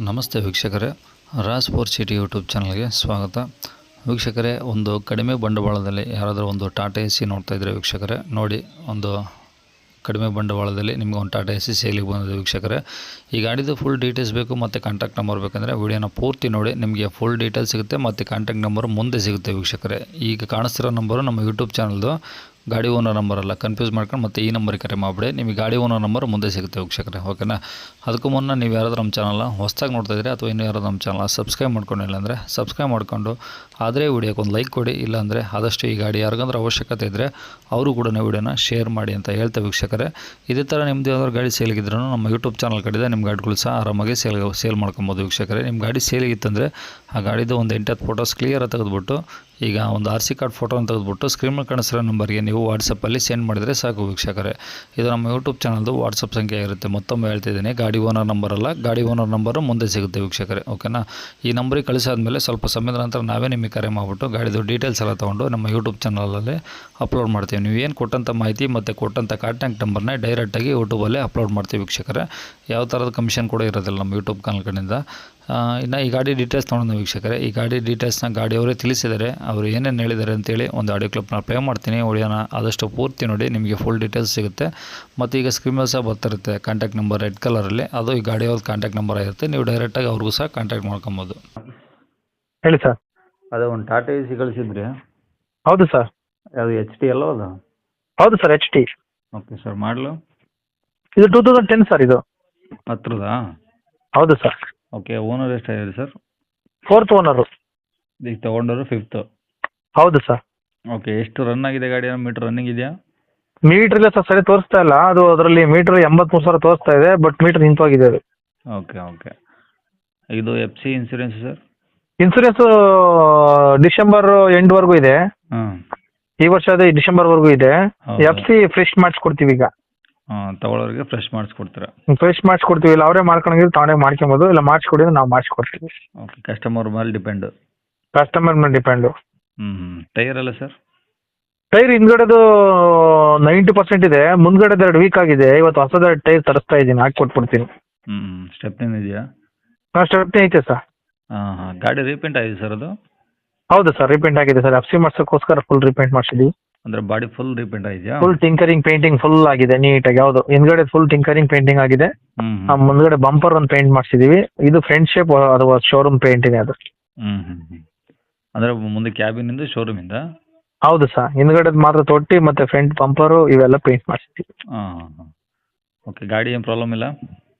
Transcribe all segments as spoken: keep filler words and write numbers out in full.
ನಮಸ್ತೆ ವೀಕ್ಷಕರೇ, Raj four city YouTube ಚಾನಲ್ಗೆ ಸ್ವಾಗತ. ವೀಕ್ಷಕರೇ, ಒಂದು ಕಡಿಮೆ ಬಂಡವಾಳದಲ್ಲಿ ಯಾರಾದರೂ ಒಂದು ಟಾಟಾ ಎ ಸಿ ನೋಡ್ತಾ ಇದ್ದರೆ ವೀಕ್ಷಕರೇ ನೋಡಿ, ಒಂದು ಕಡಿಮೆ ಬಂಡವಾಳದಲ್ಲಿ ನಿಮಗೆ ಒಂದು ಟಾಟಾ ಎ ಸಿ ಸೇಲಿಗೆ ಬಂದಿದೆ ವೀಕ್ಷಕರೇ. ಈ ಗಾಡಿದು ಫುಲ್ ಡೀಟೇಲ್ಸ್ ಬೇಕು ಮತ್ತು ಕಾಂಟ್ಯಾಕ್ಟ್ ನಂಬರ್ ಬೇಕಂದರೆ ವಿಡಿಯೋನ ಪೂರ್ತಿ ನೋಡಿ, ನಿಮಗೆ ಫುಲ್ ಡೀಟೇಲ್ಸ್ ಸಿಗುತ್ತೆ ಮತ್ತು ಕಾಂಟ್ಯಾಕ್ಟ್ ನಂಬರ್ ಮುಂದೆ ಸಿಗುತ್ತೆ ವೀಕ್ಷಕರೇ. ಈಗ ಕಾಣಿಸ್ತಿರೋ ನಂಬರು ನಮ್ಮ ಯೂಟ್ಯೂಬ್ ಚಾನಲ್ದು ಗಾಡಿ ಓನರ್ ನಂಬರ್ ಅಲ್ಲ, ಕನ್ಫ್ಯೂಸ್ ಮಾಡ್ಕೊಂಡು ಮತ್ತೆ ಈ ನಂಬರಿಗೆ ಕರೆ ಮಾಡಿಬಿಡಿ, ನಿಮಗೆ ಗಾಡಿ ಓನರ್ ನಂಬರ್ ಮುಂದೆ ಸಿಗುತ್ತೆ ವೀಕ್ಷಕರೇ. ಓಕೆನಾ? ಅದಕ್ಕೂ ಮುನ್ನ ನೀವು ಯಾರಾದರೂ ನಮ್ಮ ಚಾನಲ್ನ ಹೊಸದಾಗಿ ನೋಡ್ತಾ ಇದ್ದರೆ ಅಥವಾ ಇನ್ನೂ ಯಾರಾದರೂ ನಮ್ಮ ಚಾನಲ್ನ ಸಬ್ಸ್ಕ್ರೈಬ್ ಮಾಡ್ಕೊಂಡಿಲ್ಲ ಅಂದರೆ ಸಬ್ಸ್ಕ್ರೈಬ್ ಮಾಡ್ಕೊಂಡು ಆದರೆ ವಿಡಿಯೋಕ್ಕೆ ಒಂದು ಲೈಕ್ ಕೊಡಿ. ಇಲ್ಲಾಂದರೆ ಆದಷ್ಟು ಈ ಗಾಡಿ ಯಾರಿಗಂದ್ರೆ ಅವಶ್ಯಕತೆ ಇದ್ದರೆ ಅವರು ಕೂಡ ವಿಡಿಯೋನ ಶೇರ್ ಮಾಡಿ ಅಂತ ಹೇಳ್ತಾ ವೀಕ್ಷಕರೇ. ಇದೇ ಥರ ನಿಮ್ಮದು ಯಾವ್ದಾದ್ರು ಗಾಡಿ ಸೇಲಿಗಿದ್ರೂ ನಮ್ಮ ಯೂಟ್ಯೂಬ್ ಚಾನಲ್ ಕಡೆಯಿಂದ ನಿಮ್ಮ ಗಾಡಿಗಳು ಸಹ ಆರಾಮಾಗಿ ಸೇಲ್ ಸೇಲ್ ಮಾಡ್ಕೊಬೋದು ವೀಕ್ಷಕರೇ. ನಿಮ್ಮ ಗಾಡಿ ಸೇಲಿಗಿತ್ತಂದರೆ ಆ ಗಾಡಿದು ಒಂದು ಎಂಟತ್ತು ಫೋಟೋಸ್ ಕ್ಲಿಯರಾಗಿ ತೆಗೆದುಬಿಟ್ಟು, ಈಗ ಒಂದು ಆರ್ ಸಿ ಕಾರ್ಡ್ ಫೋಟೋನ ತೆಗೆದುಬಿಟ್ಟು ಸ್ಕ್ರೀನ್ ಮೇಲೆ ಕಾಣಿಸಿರೋ ನಂಬರ್ಗೆ ನೀವು ವಾಟ್ಸಪ್ಪಲ್ಲಿ ಸೆಂಡ್ ಮಾಡಿದರೆ ಸಾಕು ವೀಕ್ಷಕರೇ. ಇದು ನಮ್ಮ ಯೂಟ್ಯೂಬ್ ಚಾನಲ್ದು ವಾಟ್ಸಪ್ ಸಂಖ್ಯೆ ಇರುತ್ತೆ. ಮತ್ತೊಮ್ಮೆ ಹೇಳ್ತಿದ್ದೀನಿ, ಗಾಡಿ ಓನರ್ ನಂಬರ್ ಅಲ್ಲ, ಗಾಡಿ ಓನರ್ ನಂಬರು ಮುಂದೆ ಸಿಗುತ್ತೆ ವೀಕ್ಷಕರೇ. ಓಕೆನಾ? ಈ ನಂಬರಿಗೆ ಕಳಿಸಾದ್ಮೇಲೆ ಸ್ವಲ್ಪ ಸಮಯದ ನಂತರ ನಾವೇ ನಿಮಗೆ ಕರೆ ಮಾಡಿಬಿಟ್ಟು ಗಾಡಿದು ಡೀಟೇಲ್ಸ್ ಎಲ್ಲ ತೊಗೊಂಡು ನಮ್ಮ ಯೂಟ್ಯೂಬ್ ಚಾನಲಲ್ಲಿ ಅಪ್ಲೋಡ್ ಮಾಡ್ತೀವಿ. ನೀವು ಏನು ಕೊಟ್ಟಂಥ ಮಾಹಿತಿ ಮತ್ತು ಕೊಟ್ಟಂಥ ಕಾಂಟ್ಯಾಕ್ಟ್ ನಂಬರ್ನ ಡೈರೆಕ್ಟಾಗಿ ಯೂಟ್ಯೂಬಲ್ಲೇ ಅಪ್ಲೋಡ್ ಮಾಡ್ತೀವಿ ವೀಕ್ಷಕರೇ. ಯಾವ ಥರದ ಕಮಿಷನ್ ಕೂಡ ಇರೋದಿಲ್ಲ ನಮ್ಮ ಯೂಟ್ಯೂಬ್ ಚಾನಲ್ ಕಡೆಯಿಂದ. ಇನ್ನು ಈ ಗಾಡಿ ಡೀಟೇಲ್ಸ್ ತೊಗೊಂಡು ವೀಕ್ಷಕರೇ, ಈ ಗಾಡಿ ಡೀಟೇಲ್ಸ್ನ ಗಾಡಿಯವರೇ ತಿಳಿಸಿದ್ದಾರೆ, ಅವರು ಏನೇನು ಹೇಳಿದ್ದಾರೆ ಅಂತೇಳಿ ಒಂದು ಆಡಿಯೋ ಕ್ಲಿಪ್ನ ಪ್ಲೇ ಮಾಡ್ತೀನಿ. ವಿಡಿಯೋನ ಆದಷ್ಟು ಪೂರ್ತಿ ನೋಡಿ, ನಿಮಗೆ ಫುಲ್ ಡೀಟೇಲ್ಸ್ ಸಿಗುತ್ತೆ. ಮತ್ತು ಈಗ ಸ್ಕ್ರೀನ್ ಮೇಲೆ ಸಹ ಬರ್ತಿರುತ್ತೆ ಕಾಂಟ್ಯಾಕ್ಟ್ ನಂಬರ್ ರೆಡ್ ಕಲರಲ್ಲಿ, ಅದು ಈ ಗಾಡಿಯವ್ರದ್ದು ಕಾಂಟ್ಯಾಕ್ಟ್ ನಂಬರ್ ಆಗಿರುತ್ತೆ. ನೀವು ಡೈರೆಕ್ಟಾಗಿ ಅವ್ರಿಗೂ ಸಹ ಕಾಂಟ್ಯಾಕ್ಟ್ ಮಾಡ್ಕೊಬೋದು. ಹೇಳಿ ಸರ್. ಅದೇ ಒಂದು ಟಾಟಾ ಎ ಸಿ ಕಳಿಸಿದ್ರಿ? ಹೌದು ಸರ್. ಅದು ಎಚ್ ಟಿ ಅಲ್ಲೋ ಅದು? ಹೌದು sir, H T. Okay sir, ಮಾಡಲು ಇದು ಟೂ ತೌಸಂಡ್ ಟೆನ್ ಸರ್. ಇದು ಹತ್ರದಾ? ಹೌದು ಸರ್. ಓಕೆ, ಓನರ್ ಎಷ್ಟಾಗಿದೆ ಸರ್? Fourth owner. ಈಗ ತೊಗೊಂಡವರು ಫಿಫ್ತು? ಹೌದು ಸರ್. ಓಕೆ, ಎಷ್ಟು ರನ್ ಆಗಿದೆ ಗಾಡಿ? ಮೀಟರ್ ರನ್ನಿಂಗ್ ಇದೆಯಾ? ಮೀಟರ್ ಇಲ್ಲ ಸರ್, ಸರಿ ತೋರಿಸ್ತಾ ಇಲ್ಲ. ಅದು ಅದರಲ್ಲಿ ಮೀಟರ್ ಎಂಬತ್ಮೂರು ಸಾವಿರ ತೋರಿಸ್ತಾ ಇದೆ, ಬಟ್ ಮೀಟರ್ ನಿಂತೋಗಿದೆ ಅದು. Okay okay. ಇದು F C insurance sir? Insurance December ಎಂಡ್ವರೆಗೂ ಇದೆ. ಹಾಂ, ಈ ವರ್ಷ ಅದೇ ಡಿಸೆಂಬರ್ವರೆಗೂ ಇದೆ. ಹೌದಾ? ಎಫ್ ಸಿ ಫ್ರೆಶ್ ಮಾಡಿಸ್ಕೊಡ್ತೀವಿ ಈಗ. ಹಾಂ, ತಗೊಳ್ಳೋರಿಗೆ ಫ್ರೆಶ್ ಮಾಡಿಸ್ಕೊಡ್ತೀರಾ? ಫ್ರೆಶ್ ಮಾಡಿಸ್ಕೊಡ್ತೀವಿ. ಇಲ್ಲ ಅವರೇ ಮಾಡ್ಕೊಂಡ್ರೆ ತಾನೇ ಮಾಡ್ಕೊಬೋದು, ಇಲ್ಲ ಮಾಡಿಸ್ಕೊಡಿದ್ರೆ ನಾವು ಮಾಡಿಸ್ಕೊಡ್ತೀವಿ. ಓಕೆ, ಕಸ್ಟಮರ್ ಮೇಲೆ ಡಿಪೆಂಡು? ಕಸ್ಟಮರ್ ಮೇಲೆ ಡಿಪೆಂಡು. ಹ್ಞೂ ಹ್ಞೂ. ಟೈರ್ ಎಲ್ಲ ಸರ್? ಟೈರ್ ಹಿಂದ್ಗಡೆದು ನೈಂಟಿ ಪರ್ಸೆಂಟ್ ಇದೆ, ಮುಂದ್ಗಡೆದು ಎರಡು ವೀಕ್ ಆಗಿದೆ. ಇವತ್ತು ಹೊಸದ ಟೈರ್ ತರಿಸ್ತಾ ಇದ್ದೀನಿ, ಹಾಕಿ ಕೊಟ್ಬಿಡ್ತೀನಿ. ಹ್ಞೂ, ಸ್ಟೆಪ್ನಿಂದ ಇದೆಯಾ? ಹಾಂ, ಸ್ಟೆಪ್ನಿ ಐತೆ ಸರ್. ಹಾಂ ಹಾಂ. ಗಾಡಿ ರೀಪೇಂಟ್ ಆಗಿದೆ ಸರ್ ಅದು? ಹೌದು ಸರ್, ರಿಪೇಂಟ್ ಆಗಿದೆ ಸರ್. ಎಫ್ ಸಿ ಮಾಡ್ಸೋಕ್ಕೋಸ್ಕರ ಫುಲ್ ರಿಪೇಂಟ್ ಮಾಡಿಸಿದ್ವಿ. ಅಂದರೆ ಬಾಡಿ ಫುಲ್ ರೀಪೇಂಟ್ ಆಗಿದೆಯಾ? ಫುಲ್ ಟಿಂಕರಿಂಗ್ ಪೇಂಟಿಂಗ್ ಫುಲ್ ಆಗಿದೆ ನೀಟಾಗಿ. ಯಾವುದು ಹಿಂದ್ಗಡೆ ಫುಲ್ ಟಿಂಕರಿಂಗ್ ಪೇಂಟಿಂಗ್ ಆಗಿದೆ. ಹ್ಞೂ ಆ ಹ್ಞೂ ಮುಂದ್ಗಡೆ ಬಂಪರ್ ಒಂದು ಪೇಂಟ್ ಮಾಡಿಸಿದೀವಿ. ಇದು ಫ್ರಂಟ್ ಶೇಪ್, ಅದು ಶೋರೂಮ್ ಪೇಂಟ್ ಇದೆ ಅದು. ಹ್ಞೂ ಹ್ಞೂ ಹ್ಞೂ. ಅಂದರೆ ಮುಂದೆ ಕ್ಯಾಬಿನಿಂದ ಶೋರೂಮಿಂದ? ಹೌದು ಸರ್, ಹಿಂದ್ಗಡೆದು ಮಾತ್ರ ತೊಟ್ಟಿ ಮತ್ತು ಫ್ರಂಟ್ ಬಂಪರು ಇವೆಲ್ಲ ಪೇಂಟ್ ಮಾಡಿಸಿದ್ವಿ. ಹಾಂ ಹಾಂ ಹಾಂ. ಓಕೆ, ಗಾಡಿ ಏನು ಪ್ರಾಬ್ಲಮ್ ಇಲ್ಲ?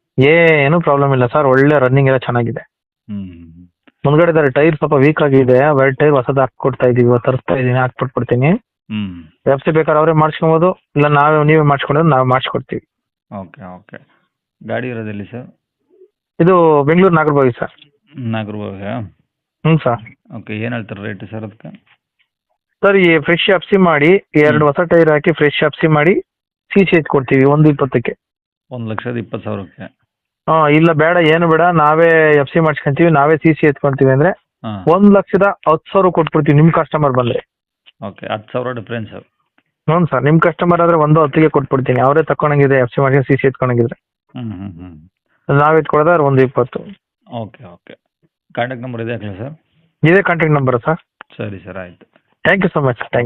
ಏನೂ ಪ್ರಾಬ್ಲಮ್ ಇಲ್ಲ ಸರ್, ಒಳ್ಳೆ ರನ್ನಿಂಗ್ ಎಲ್ಲ ಚೆನ್ನಾಗಿದೆ. ಹ್ಞೂ. ಮುಂದ್ಗಡೆ ಟೈರ್ ಸ್ವಲ್ಪ ವೀಕ್ ಆಗಿದೆ, ಎರಡು ಟೈರ್ ಹೊಸದು ಹಾಕ್ಕೊಡ್ತಾ ಇದೀವಿ, ಇವತ್ತು ತರಿಸ್ತಾ ಇದ್ದೀನಿ, ಹಾಕ್ಬಿಟ್ಬಿಡ್ತೀನಿ. ಹ್ಞೂ. ಎಫ್ ಸಿ ಬೇಕಾದ್ರೆ ಅವರೇ ಮಾಡಿಸ್ಕೊಬೋದು, ಇಲ್ಲ ನಾವೇ ನೀವೇ ಮಾಡಿಸ್ಕೊಂಡ್ರೆ ನಾವು ಮಾಡಿಸ್ಕೊಡ್ತೀವಿ. Okay okay. ಗಾಡಿ ಇರೋದೆಲ್ಲಿ ಸರ್? ಇದು ಬೆಂಗಳೂರು ನಾಗರಬಾವಿ ಸರ್. ನಾಗರಬಾವಿಯಾ? ಹ್ಞೂ ಸರ್. ಓಕೆ, ಏನು ಹೇಳ್ತಾರೆ ರೇಟ್ ಸರ್ ಅದಕ್ಕೆ? ಸರ್, ಈ ಫ್ರೆಶ್ ಎಫ್ ಸಿ ಮಾಡಿ ಎರಡು ಹೊಸ ಟೈರ್ ಹಾಕಿ ಫ್ರೆಶ್ ಎಫ್ ಸಿ ಮಾಡಿ ಸಿ ಸಿ ಕೊಡ್ತೀವಿ ಒಂದು ಇಪ್ಪತ್ತಕ್ಕೆ. ಒಂದು ಲಕ್ಷದ ಇಪ್ಪತ್ತು ಸಾವಿರಕ್ಕೆ? ಹಾಂ, ಇಲ್ಲ ಬೇಡ, ಏನು ಬೇಡ, ನಾವೇ ಎಫ್ ಸಿ ಮಾಡ್ಸ್ಕೊಂತೀವಿ, ನಾವೇ ಸಿ ಸಿ ಎತ್ಕೊಂತೀವಿ ಅಂದರೆ ಹಾಂ, ಒಂದು ಲಕ್ಷದ ಹತ್ತು ಸಾವಿರ ಕೊಟ್ಬಿಡ್ತೀವಿ ನಿಮ್ಮ ಕಸ್ಟಮರ್ ಬಂದರೆ. ಓಕೆ, ಹತ್ತು ಸಾವಿರ ಡಿಫ್ರೆನ್ಸ್? ಹ್ಞೂ ಸರ್, ನಿಮ್ಮ ಕಸ್ಟಮರ್ ಆದರೆ ಒಂದು ಹತ್ತಿಗೆ ಕೊಟ್ಬಿಡ್ತೀನಿ, ಅವರೇ ತಗೊಂಡಂಗಿದೆ ಎಫ್ ಸಿ ಮಾಡ್ಕೊಂಡು ಸಿ ಸಿ ಎತ್ಕೊಂಡಂಗಿದ್ರೆ. ಹ್ಞೂ ಹ್ಞೂ ಹ್ಞೂ. ನಾವು ಎತ್ಕೊಡೋದಾದ್ರೆ ಒಂದು ಇಪ್ಪತ್ತು. Okay okay. ಕಾಂಟ್ಯಾಕ್ಟ್ ನಂಬರ್ ಇದೆ ಹಾಕಲಾ ಸರ್? ಇದೇ ಕಾಂಟ್ಯಾಕ್ಟ್ ನಂಬರ್ ಸರ್. ಸರಿ ಸರ್, ಆಯಿತು. Thank you so much. Thank